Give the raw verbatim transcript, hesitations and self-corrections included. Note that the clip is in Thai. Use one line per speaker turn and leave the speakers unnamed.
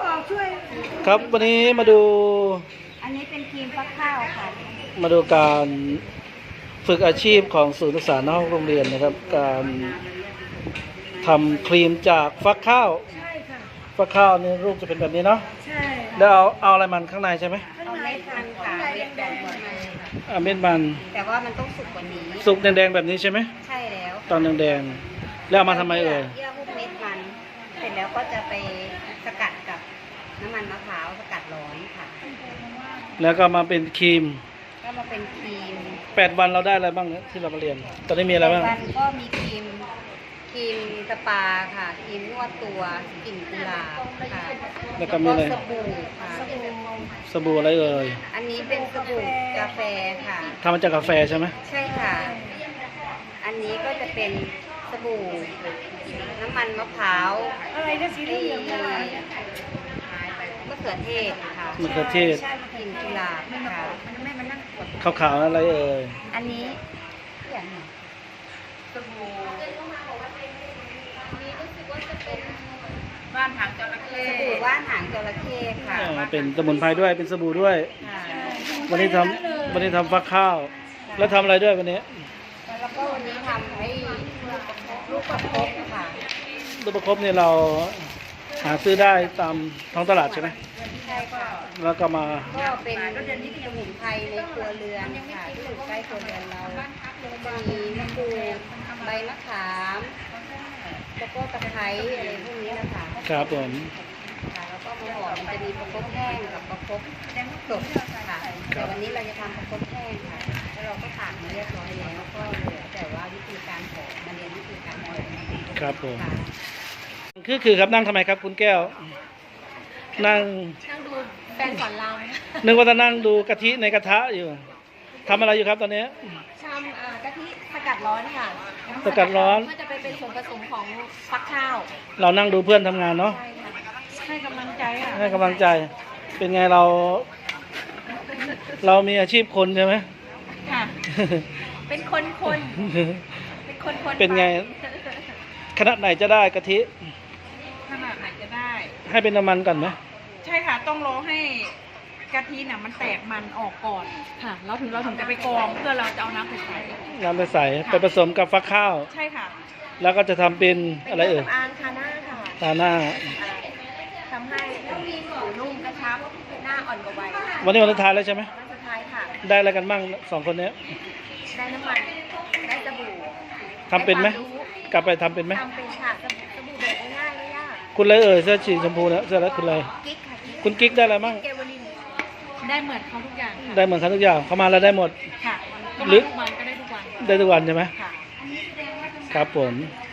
ออกช่วย
ครับวันนี้มาดู
อันนี้เป็นครีมฟักข้าวค่ะ
มาดูการฝึกอาชีพของศูนย์ศึกษานอกโรงเรียนนะครับ การทำครีมจากฟักข้าว
ใช่ค่ะ
ฟักข้าวนี่รูปจะเป็นแบบนี้เนาะ
ใช่
แล้วเอาเอาอะไรมันข้างในใช่ไหม
เอาเม็ดมันค่ะเม็ดแดงมัน
เอาเม็ดมัน
แต่ว่ามันต้องสุกกว่านี้
สุกแดงๆแบบนี้ใช่ไหม
ใช่แล้ว
ตอนแดงๆแล้วเอามาทำไมเอ่ย
เยื่อหุ้มเม็ดมันเสร็จแล้วก็จะไปสกัดกับน้ำมันมะพร้าวสกัดร้อนค่ะ
แล้วก็มาเป็นครีม
ก็มาเป็นครีม
แปดวันเราได้อะไรบ้างเนี่ยที่เรามาเรียนตอนนี้มีอะไรบ้าง
วันก็มีครีมครีมสปาค่ะครีมนวดตัวกลิ่นกุหลาบค่ะ
แล้วก็มีอะไร
สบู่ค่ะ
สบู่อะไรเอ่ย
อันนี้เป็นสบู่กาแฟค่ะ
ทำมาจากกาแฟใช่ไหม
ใช่ค่ะอันนี้ก็จะเป็นสบู่น้ำมันมะพร้าวอะไรนะสีเหลืองมะเขือเทศค่ะ
มะเขือเทศ
กลิ่นกุหลาบ
ข
ค่ะ
าวๆอะไรเอ่ย
อันนี้อย่างสบู่ว่านหางจระเข้สบู่ว่านหางจระเข้ค่ะ
เป็นสมุนไพรด้วยเป็นสบู่ด้วยวันนี้ทำวันนี้ทำฟักข้าวแล้วทำอะไรด้วยวันนี้
แล้วก็วันนี้ทำไอ้ลูกประคบค่ะ
ลูกประคบเนี่ยเราหาซื้อได้ตามท้องตลาดใช่ไหม
ใช่ค่ะ
แล้วก็มา
ก็เป็นสมุนไพรในครัวเรือนค่ะที่อยู่ใกล้ครัวเรือนเราจะมีมะกรูดใบมะขามแล้วก็ตะไคร้อะไรพวกนี้นะคะ
ครับผม
แล้วก็มาห่อมันจะมีประคบแห้งกับประคบสดค่ะแต่วันนี้เราจะทำประคบแห้งค่ะแล้วเราก็ผ่านมาเรียบร้อยแล้วก็เหลือแต่ว่าวิธีการห่อมาเรียนวิธีการห่อ
ครับผมคือคือครับนั่งทำไมครับคุณแก้วนั่ง
นั่งดูแฟนสอนราม
นึกว่าจะนั่งดูกะทิในกระทะอยู่ทำอะไรอยู่ครับตอนนี้
ทำกะทิสกัดร้อนค่ะ
สกัดร้อน
เพื่อจะไปเป็นส่วนผสมของฟักข้าว
เรานั่งดูเพื่อนทำงานเนาะ
ให้กำลังใจอ่ะ
ให้กำลังใจเป็นไงเรา เรามีอาชีพคนใช่ไหม
ค่ะเป็นคนคนเป็นคนคน
เป็นไงขนาดไหนจะได้กะทิ
ขนาดไหนจะได้
ให้เป็นน้ำมันก่อนไหม
ใช่ค่ะต้องรอให้กะทิน่ะมันแตกมันออกก่อนค่ะเราถึงเราถึงจะไปกรองเพื่อเราจะเอาน้ำไปใส่
น้ำไปใส่ไปผสมกับฟักข้าว
ใช่ค่ะ
แล้วก็จะทำเป็นอะไรเอ่ย
อ่างทาหน้าค่ะ
ทาหน้า
ทำให้ผิวนุ่มกระชับหน้าอ่อนกว่าวัย
วันนี้วันสุดท้ายแล้วใช่ไหม
วันสุดท้ายค่ะ
ได้อะไรกันบ้างสองคนนี้
ได้น้ำมันได้สบู่
ทำเป็นไหมกลับไปทำเป็นไหม
ทำเป็นค่ะสบู่แบบง่ายไม่ยาก
คุณเลยเอ่ยเสื้อสีชมพูนะเสื้อแล้วคุณเลย
กิ๊กค่ะ
คุณกิ๊กได้อะไรบ้าง
ได้เหมือนเขาทุกอย่าง
ได้เหมือนเขาทุกอย่างเขามาแล้วได้หมด
ค่ะหรือวันก็ได้ทุกวัน
ได้ทุกวันใช่ไหม
ค่ะ
ครับผม